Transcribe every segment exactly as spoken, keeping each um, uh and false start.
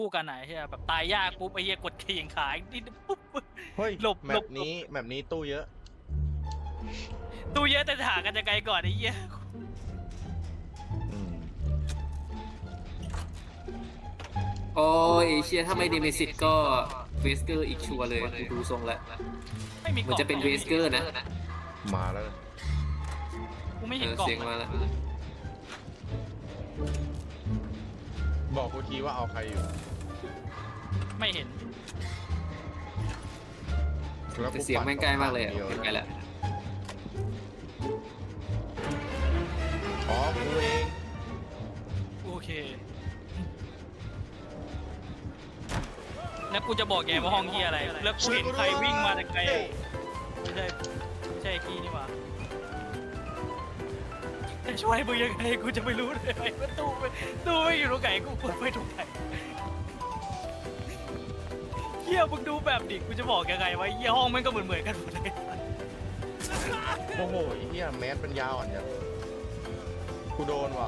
คู่กันไหนเฮียแบบตายยากปุ๊บไอ้เฮียกดเขียงขายนิดปุ๊บเฮ้ยหลบแมหลปบนี้แมปนี้ตู้เยอะตู้เยอะแต่หากันยังไงก่อนไอ้เฮียอืมโอ้ยเชียถ้าไม่เดเมซิตก็เวสเกอร์อีกชัวร์เลยกูดูทรงแล้วไม่มีกมันล่องจะเป็นเวสเกอร์นะมาแล้วกูไม่เอเห็นอกล่องเสียงมาแล้วบอกกูทีว่าเอาใครอยู่ไม่เห็นแล้วแต่กูเสียงแม่งใกล้มากเลยอะดีวเห็นไงแล้วอ๋อกูเองโอเคแล้วกูจะบอกแกว่าห้องเฮียอะไรแล้วกูเห็นใครวิ่งมาแต่ไกลอะไม่ใช่ไม่ใช่ไอ้กี้นี่หว่าจะช่วยมึงยังไงกูจะไม่รู้เลยว่าตู้ไม่ตู้ไม่อยู่ตรงไหนกูกดไม่ตรงไหนเฮียมึงดูแบบดิกูจะบอกยังไงวะเฮียห้องมันก็เหมือนเหมือนๆกันหมดเลยโอ้โหไอ้เหี้ยแมสเป็นยาวอ่ะเนี่ยกูโดนว่ะ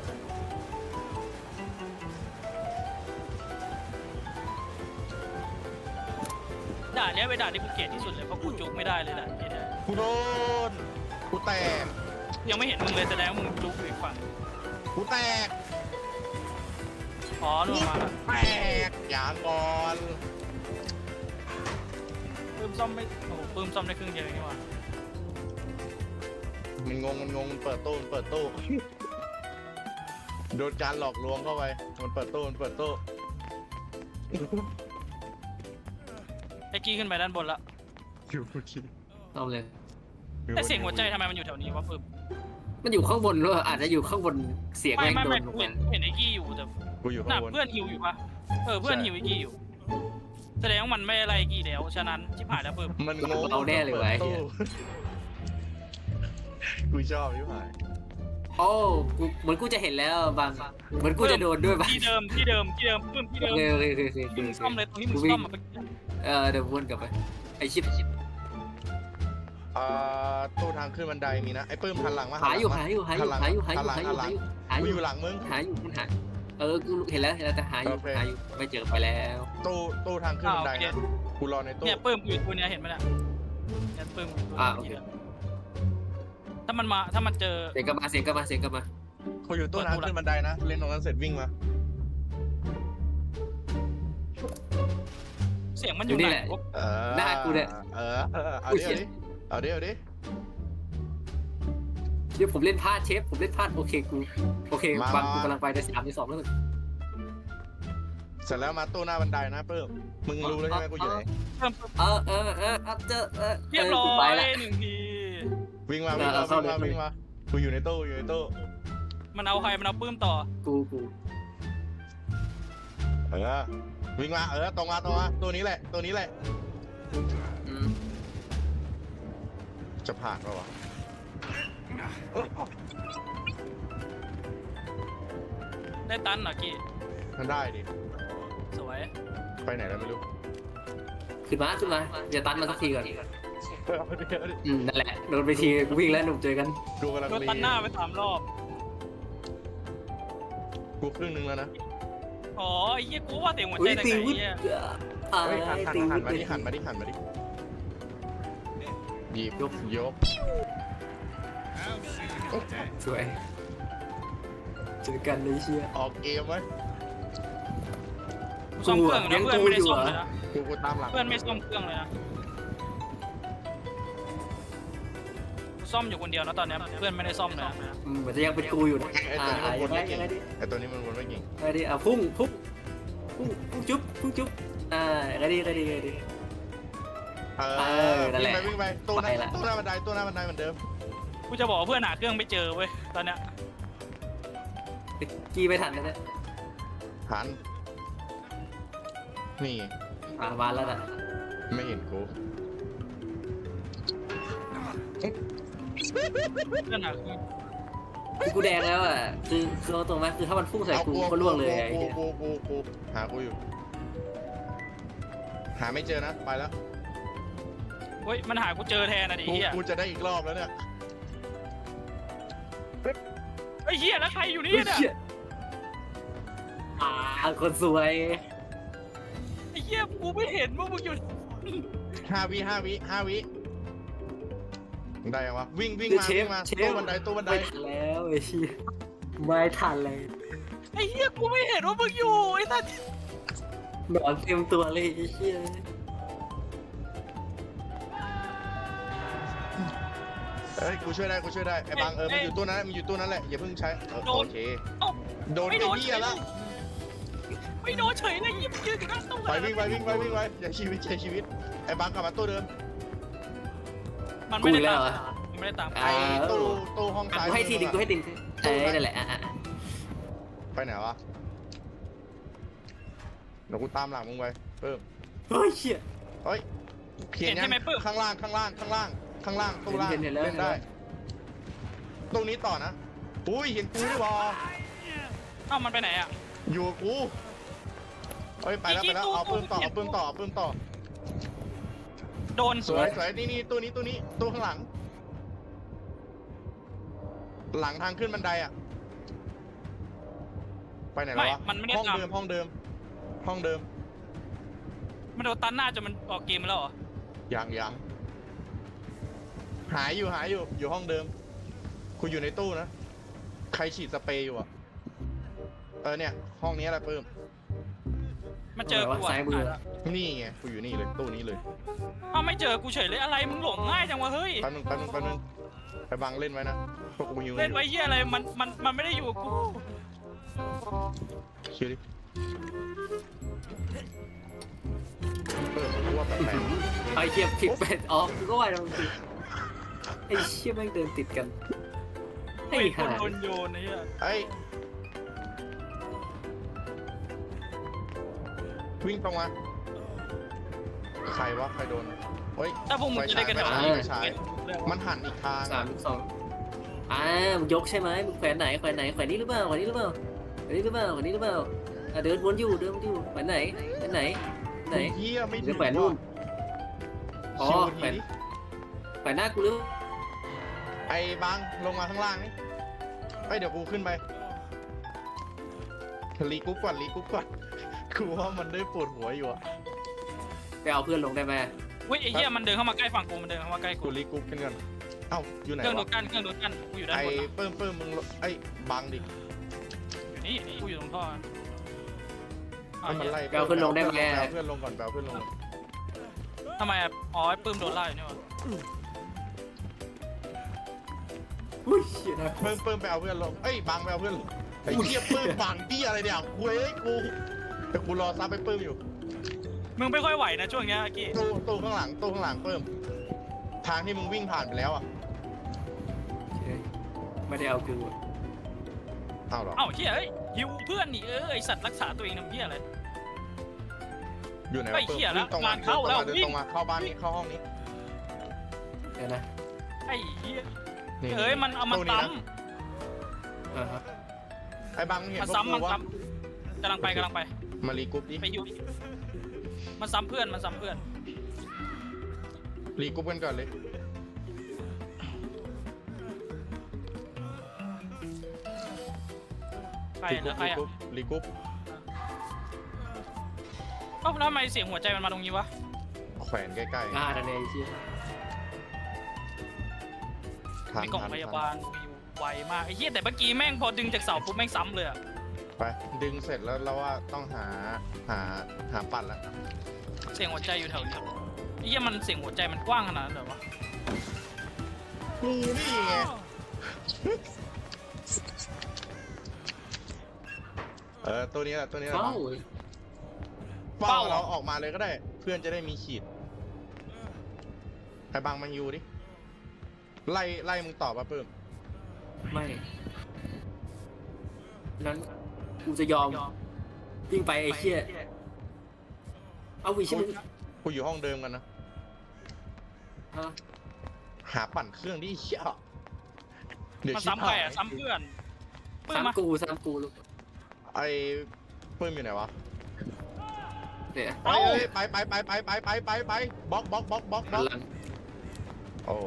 ด่านเนี้ยเป็นด่านที่กูเกลียดที่สุดเลยเพราะกูจุกไม่ได้เลยด่านนี้เนี่ยกูโดนกูแตกยังไม่เห็นมึงเลยแสดงว่ามึงจุกอยู่อีกฝั่งกูแตกอ๋อนู่นมาแล้วแตกยางก่อนปื้มซ่อมไม่โอ้โหปื้มซ่อมได้ครึ่งเดียวเองนี่หว่ามันงงมันงงมันเปิดตู้มันเปิดตู้โดนการหลอกลวงเข้าไปมันเปิดตู้มันเปิดตู้ไอ้กี้ขึ้นไปด้านบนละอยู่กูคิดเอาเลยแต่เสียงหัวใจทำไมมันอยู่แถวนี้วะปื้มมันอยู่ข้างบนด้วยอาจจะอยู่ข้างบนเสียงไม่แม่งไม่โดไม่นลกูงเห็มานเห็นไอ้กี้อยู่แต่กูอยู่หข้าน้างบนเพื่อนฮิวอยู่ปะเออเพื่อนฮิวไอ้กี้อยู่ แสดงว่ามันไม่อะไรไอ้กี้แล้วฉะนั้นชิบหายแล้วปื้มมันงงเราแน่เลยวะไอ้ตู้เหี้ยกูชอบยิ่งหายโอ้กูเหมือนกูจะเห็นแล้วบางเหมือนกูจะโดนด้วยบางที่เดิมที่เดิมที่เดิมปื้มที่โอเดิมเคโอเคโอเคโอเคที่มึงซ่อมเลยตรงที่มึงกูวิ่ซ่อง มอะไปเออเดี๋ยววนกลับไปไอชิปชิปอ่าตู้ทางขึ้นบันไดมีนะไอ้ปื้มหันหลังมาหาอยู่หาอยู่หาอยู่ลังหาอยู่หาอหัยู่นหลังหาอหัยู่นหลังหาอกูยู่อยู่หลังมึงหาอยู่มันหาเออกูเห็นแล้วเห็นแล้วแต่หาอยู่โอเคหาอยู่ไม่เจอไปแล้วตู้ตู้ทางขึ้นอ่าบันโอไดเคนะกูรอในตู้เนี่ยปื้มอยู่ตัวเนี้ยเห็นไหมเนี่ยเนี่ยปื้มอยู่ตัวอ่าเนี้ยโอเคถ้ามันมาถ้ามันเจอเสียงกลับมาเสียงกลับมาเสียงกลับมากูอยู่ตู้ทางขึ้นบันไดนะเล่นตรงนั้นเสร็จวิ่งมาเสียงมันออยู่ยู่นี่ไหแหนละวะเออหน้ากูเนี่ยเออเออเอาอุ้ยดิเชี่เอายดิเอาดิเอาดิเดี๋ยวผมเล่นพลาดเชฟผมเล่นพลาดโอเคกูโอเคบางกูกำลังไปในสามในสองแล้วมึงเสร็จแล้วมาตู้หน้าบันไดนะปื้มมึงรู้แล้วใช่ไหมกูอยู่ไหนเพิ่มปุ๊บเออเออเออเออเจอเออเรียบร้อกูไปยละหนึ่งทีวิ่งมาวิ่งเอมาอเข้าวิ่งมาเลยวิ่งมากูอยู่ในตู้อยู่ในตู้มันเอาใครมันเอาปื้มต่อกูกูเออวิ่งมาเออตรงมาตรงมาตัวนี้แหละตัวนี้แหละอืมจะผ่านปะวะได้ตันเหรอกี้มันได้ดิสวยไปไหนแล้วไม่รู้ขึ้นมาขึ้นมาอย่าตันมาสักทีก่อนเอาดิเอาดิอืมนั่นแหละโดนไปทีกูวิ่งแล้วหนุ่มเจอกันกูกำลังโดนรีตันหน้าไปสามรอบกูครึ่งหนึงแล้วนะอ๋อไอ้เหี้ยกูว่าเสียงหัวใจอุ้ยแต่ตีไงวุ้เหี้ยอ่าเฮ้ยหันหันตีหัวุ้นมาดิหันมาดิหันมาดิหยิบยกยกสวยเจอกันเลยเชียออกเกมไหมกูซ่อมเครื่องยันะงเพื่อนไม่ได้กูอยู่ซ่อมเหรอเลยนะกูกูตามหลังเพื่อนไม่ซ่อมเครื่องเลยนะกูซ่อมอยู่คนเดียวนะตอนเนี้ยเพื่อนไม่ได้ซ่อมเลยนะอืมเหมือนจะยังเป็นกูอยู่นะไอ้อ่าตัวนี้มันวนยังไงไม่เก่งยังไงดิไอ้ตัวนี้มันวนไม่เก่งยังไงดิอ่ะพุ่งพุ่งพุ่งพุ่งจุ๊บพุ่งจุ๊บอ่ายังไงดิยังไงดิยังไงดิเอเอออนั่นแหวิ่งละไปวิ่งไปตู้หน้าไปละตู้หน้าบันไดตู้หน้าบันไดเหมือนเดิมกูจะบอกว่าเพื่อนหาเครื่องไม่เจอเว้ยตอนเนี้ยกี้ไม่ทันนะเนี่ยหันนี่อ่ามาแล้วนะไม่เห็นกูเพื่อนหาเครื่องคือกูแดงแล้วอ่ะคือคือเอาตรงไหมคือถ้ามันพุ่งใส่กูก็ล่วงเลยไอ้กูเหี้ยกูกูกูหากูอยู่ หาไม่เจอนะไปแล้วเฮ้ยมันหากูเจอแทนนะดิกูเหี้ยกูจะได้อีกรอบแล้วเนี่ยไอ้เหี้ยแล้วใครอยู่นี่เฮ้ยเนี่ยเชี่ยอ่าคนสวยไอ้เหี้ยกูไม่เห็นว่ามึงอยู่ห้าวิห้าวิห้าวิได้ยังวะวิ่งวิ่งคือมาเชวิ่ฟงมาเชตู้ฟบันไดตู้บันไดไม่ทันแล้วไอ้เชี่ยไม่ทันเลยไอ้เหี้ยกูไม่เห็นว่ามึงอยู่ไอ้สัสหนอนเต็มตัวเลยไอ้เชี่ยเอ้ยกูช่วยได้กูช่วยได้ไอ้บางเออมันอยู่ตู้นั้นมันอยู่ตู้นั้นแหละอย่าเพิ่งใช้เออโอเคเอ้าโดนไม่ไอ้โดนเหี้ยแล้วไม่โดนเฉยเลยยิบยืนอยู่ข้างตู้ไปวิ่งไปวิ่งไปวิ่งไปอย่าชีวิตใช้ชีวิตไอ้บางกลับมาตู้เดิมมันไม่ได้ตามมันไม่ได้ตามอ่าไอ้ตู้ตู้ห้องอ่ะซ้ายกูให้ทีดึงกูให้ดึงเอ้ยนั่นแหละอ่ะอ่ะไปไหนวะเดี๋ยวกูตามหลังมึงไปเพิ่มเฮ้ยเชี่ยเฮ้ยเขียนยังข้างล่างข้างล่างข้างล่างข้างล่างตู้ล่างเห็นเห็นแล้วเล่นได้ตรงนี้ต่อนะอุ้ยเห็นกูด้วยวะเอ้ามันไปไหนอ่ะอยู่กับกูเฮ้ยไปแล้วไปแล้วเอาปืนต่อเอาปืนต่อเอาปืนต่อโดนสวยสวยนี่นี่ตู้นี้ตู้นี้ตู้ข้างหลัง หลังทางขึ้นบันไดอ่ะไปไหนแล้ววะมันไม่ได้ห้องตามเดิมห้องเดิม ห้องเดิมมันโดนตันหน้าจนมันออกเกมแล้วเหรอยังยังหายอยู่หายอยู่อยู่ห้องเดิมคุณอยู่ในตู้นะใครฉีดสเปรย์อยู่อ่ะเออเนี่ยห้องนี้แหละเพิ่มมันเจอกูซ้ายมืออ่ะนี่ไงกูอยู่นี่เลยตู้นี้เลยเอ้าไม่เจอกูเฉยเลยอะไรมึงหลงง่ายจังวะเฮ้ยแป๊บนึงแป๊บนึงแป๊บนึงไปบังเล่นไว้นะพวกกูหิวเล่นไว้เหี้ยอะไรมันมันมันไม่ได้อยู่กับกูเชื่อดิเออกูว่าแปลกไอ้เชี่ยผิดเป็ดอ๋อกูก็ว่าตรงสิไอ้เชี่ยแม่งเดินติดกันไอ้ไอ้คห่านโดนโยนไอ้เหี้ยๆเอ้ยวิ่งตรงมาใครวะใครโดนเฮ้ยถ้าพวกมึงจะได้กันไฟแถวฉายนี้ไฟฉายมันหันอีกทางสามสองอ่ามึงยกใช่ไหมมึงแขวนไหนแขวนไหนแขวนนี้หรือเปล่าแขวนนี้หรือเปล่าแขวนนี้หรือเปล่าแขวนนี้หรือเปล่าอ่ะเดินวนอยู่เดินวนอยู่แขวนไหนแขวนไหนไหนเฮียไม่หรือแขวนนู่นอ๋อชิวแขวทีนนี้แขวนหน้ากูหรือไอ้บังลงมาข้างล่างนี่ไอ้ยเดี๋ยวกูขึ้นไปรีกรุ๊ปก่อนรีกรุ๊ปก่อนกูว่ามันได้ปวดหัวอยู่อะไปเอาเพื่อนลงได้ไหมเว้ยไอ้เหี้ยมันเดินเข้ามาใกล้ฝั่งกูมันเดินเข้ามาใกล้กูกูรีกรุ๊ปกันก่อนเอ้าอยู่ไหนเครื่องดูวะดกันเครื่องดูดกันกูอยู่ด้านไอ้บนอะเปิ้มเปิ้มมึงไอ้บังดิอยู่นี่นี่กูอยู่ตรงท่ออ่ะให้มันไล่ไปเอาเพื่อนลงได้ไหมปเอาเพื่อนลงก่อนไปเอาเพื่อนลงก่อนทำไมอ่ะอ๋อไอ้ปื้มโดนไล่อยู่นี่วะอุ้ยเชี่ยนะเปิ้มเปิ้มไปเอาเพื่อนลงเอ้ยบังไปเอาเพื่อนลงไอ้เหี้ยเปิ้มบังที่อะไรเนี่ยกูเอ้ยกูแต่กูรอซับไปเปิ้มอยู่มึงไม่ค่อยไหวนะช่วงเนี้ยอากี้ตู้ตู้ข้างหลังตู้ข้างหลังเปิ้มทางที่มึงวิ่งผ่านไปแล้วอ่ะไม่ได้เอากูเอาเหรอเอ้าเหี้ยเอ้ยฮิวเพื่อนนี่เออไอสัตว์รักษาตัวเองทำเหี้ยอะไรอยู่ไหนไอ้วะเปิ้มเหี้ยแล้ววิ่งตรงมางานเข้าแล้วเดินวิ่งตรงมาเข้าบ้านนี้เข้าห้องนี้เดี๋ยวนะไอ้เหี้ยนี่เอ้ยมันเอามันตู้ซ้นะอ่าฮะไอ้บังเห็ำนมันพวกซ้ำกูมันว่าซ้ำกำลังไปกำลังไปมารีกรุ๊ปดิไปฮิวมันซ้ำเพื่อนมันซ้ำเพื่อนรีกรุ๊ปกันก่อนเลยใครรีกรุ๊นะปใครรีอ่ะกรุ๊ปรีกรุ๊ปเอ้าแล้วทำไมเสียงหัวใจมันมาตรงนี้วะแขวนใกล้อ่านั่นเองไอ้เชี่ยๆทางมีกล่องทางพยาบาลกูอยู่ไวมากไอ้เหี้ยแต่เมื่อกี้แม่งพอดึงจากเสาปุ๊บแม่งซ้ำเลยอ่ะไปดึงเสร็จแล้วเราว่าต้องหาหาหาปั่นแล้วเสียงหัวใจอยู่แถวนี้ไอ้เหี้ยมันเสียงหัวใจมันกว้างขนาดนั้นเหรอวะกูนี่ไงเออตัวนี้แหละตัวนี้แหละเอ้าเป้าเราออกมาเลยก็ได้ เพื่อนจะได้มีขีดไอ้บังมันยูดิไล่ไล่มึงตอบป่ะเพิ่มไม่นั้นกูจะยอมวิ่งไปไอ้เชี่ยเอาวิชิมึงกูอยู่ห้องเดิมกันนะฮะหาปั่นเครื่องดิเชี่ยเดี๋ยวมันชิบซ้ำใครหายอ่ะซ้ำเพื่อนเพื่อนซ้ำมากูซ้ำกูลูกไอ้เพิ่มอยู่ไหนวะเดี๋ยวเอ้ยไปไปไปไปไปไปไปไปบล็อกบล็อกบล็อกบล็อกบล็อกหลังโอ้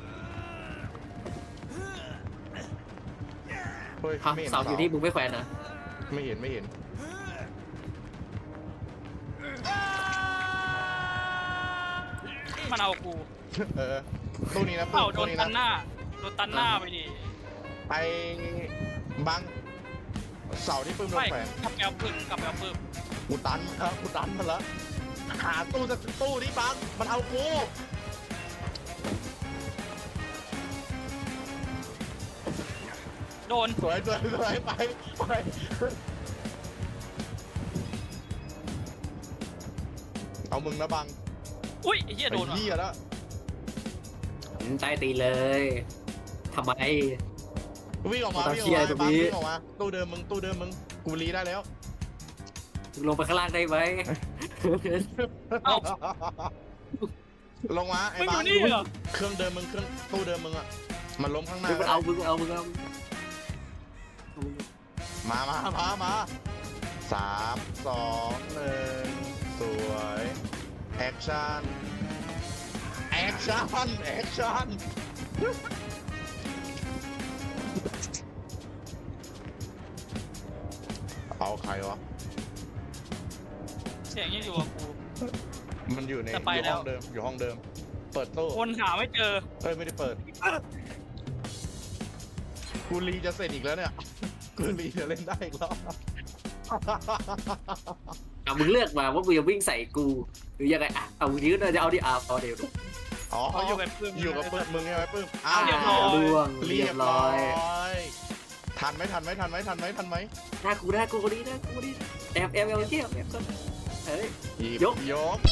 เฮ้ยฮะไม่เห็นเสาอยู่ที่มึงไม่แขวนนะไม่เห็นไม่เห็นมันเอากูเออตู้นี้นะเอ้าโดตู้นนี้ตันะนหน้าโดนตันหน้าไปดิไปบังเสาที่ปื้มโดไม่นแขวนกลับแอลปึ้งกลับแอลปึ้งกูตันครับกูตันมันละหาตู้สักตู้นี้บังมันเอากูโดนสวยสวยสวยไปไปเอามึงนะบังอุ้ยไอ้เหี้ยโดนไอ้ว่ะเหี้ยแล้วใต้ตีนเลยทำไมวิ่งออกมาตามวิ่งอเชีอกยร์มาตรงนี้วิ่งออกมาตู้เดิมมึงตู้เดิมมึงกูรีได้แล้วลงไปข้างล่างได้ไหมเอ้าลงมาไอ้มึงอบังยู่นี่เหรอเครื่องเดิมมึงเครื่องตู้เดิมมึงอะมันล้มข้างหน้ามึงเอามึงเอามึงเอามามามามาสามสองหนึ่งสวยแอคชั่นแอคชั่นแอคชั่นเอาใครวะเสียงยังอยู่กับกูมันอยู่ในจะไปอยู่แล้ห้วองเดิมอยู่ห้องเดิม เปิดตู้คนหาไม่เจอเอ้ยไม่ได้เปิด กูรีจะเสร็จอีกแล้วเนี่ย กูรีจะเล่นได้อีกแล้วเอามึงเลือกมาว่ามึงจะวิ่งใส่กูหรือยังไงอ่ะเอายืดเลยจะเอาดิอ่ะเอาเดี๋ยวอ๋อเขาอยู่กับปื้มอยู่กับปื้มมึงใช่ไหมปื้มอ้าเรียบร้อยล่วงเรีเรียยบบ ร้ร้ออยย ทันไหมทันไหมทันไหมทันไหมทันไหมหน้ากูหน้ากูดีหน้ากูดีแอบแอบแอบเที่ยวแอบก่อนเฮ้ยหบยกยก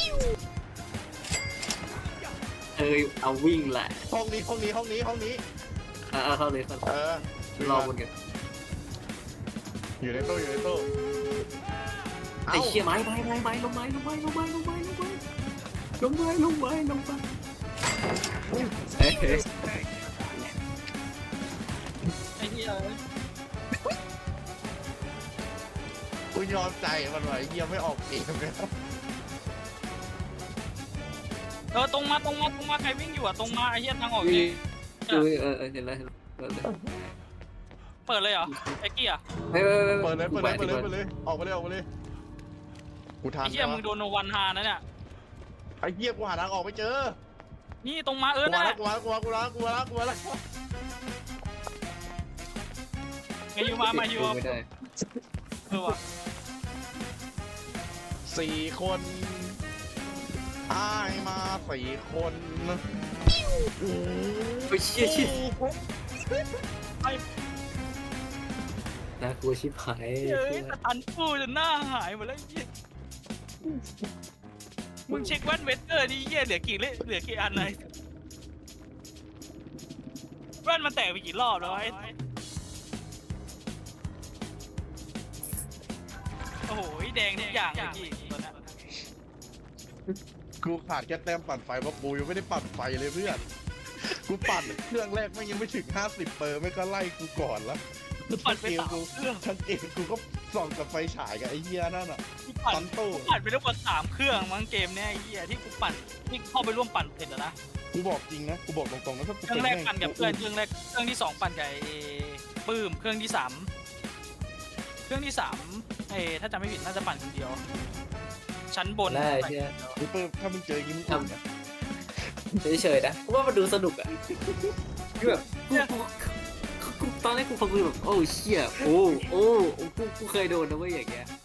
เอ้ยเอาวิ่งแหละห้องนี้ห้องนี้ห้องนี้ห้องนี้อ่ะเอาเข้าเลยเข้าเออรอบนกันอยู่ในตู้อยู่ในตู้ไอ้เชี่ยไม้ไม้ไม้ไม้ลงไม้ลงไม้ลงไม้ลงไม้ลงไม้ลงไม้ลงไม้ลงไม้เฮ้ยเฮ้ยไอ้เหี้ยกูยอมใจมันไว้เยี่ยมไม่ออกเองเลยเออตรงมาตรงมาตรงมาใครวิ่งอยู่อะตรงมาไอ้เหี้ยทางออกเอนี่อเออเออเห็นแล้วเห็นแล้วเปิดเลยเปิดเลยเหรอไอ้เกี้ยเฮ้ยเปิดเลยเปิดเลยเปิดเลยเปิดเลยออกไปเลยออกไปเลยกูทันไอ้เหี้ยมึงโดนโนวันฮานะเนี่ยไอ้เหี้ยกูหาทางออกไม่เจอนี่ตรงมาเออกูนั่มานแหแล้วละกูมาแล้วกูมากูมากูมาแล้วกูมาแล้วไงอยู่มามาอยู่ไม่ได้เออว่ะสี่คนอ้ายมาสี่คนโอ้ไปเชี่ยชิบไอ้น่ากลัวชิบหายเฮ้ยสตันฟูจนหน้าหายหมดแล้วไอ้เหี้ยมึงเช็คแว่นเวสเตอร์ดิเหี้ยเหลือกี่เล่เหลือกี่อันเลยแว่นมันแตกไปกี่รอบแล้วไอ้โอ้โหแดงทุกอย่างเลยพี่ตัวนั้นกูขาดแค่แต้มปั่นไฟเพราะกูยังไม่ได้ปั่นไฟเลยเพื่อนกูปั่นเครื่องแรกไม่ยังไม่ถึงห้าสิบเปอร์ไม่ก็ไล่กูก่อนแล้วปั่นไปสามเครื่องทั้งเกมกูก็ส่องกับไฟฉายกับไอ้เหี้ยนั่นอ่ะกูปั่นตันตู้กูปั่นไปทั้งหมดสามเครื่องมั้งเกมเนี้ยไอ้เหี้ยที่กูปั่นที่เข้าไปร่วมปั่นเสร็จแล้วนะกูบอกจริงนะกูบอกตรงๆนะถ้ากูเครื่องแรกปั่นกับเพื่อนเครื่องแรกเครื่องที่สองปั่นกับไอ้ปื้มเครื่องที่สามเครื่องที่สามเอ้ถ้าจำไม่ผิดน่าจะปั่นคนเดียว ชั้นบนได้เชี่ยกูเปิดถ้ามึงเจอยิ้มกูนะเฉยๆนะกูว่ามันดูสนุกอ่ะคือแบบกูกูกูตอนแรกกูฟังกูแบบโอ้เชี่ยโอ้โอ้กูกูเคยโดนนะเว้ยอย่างเงี้ย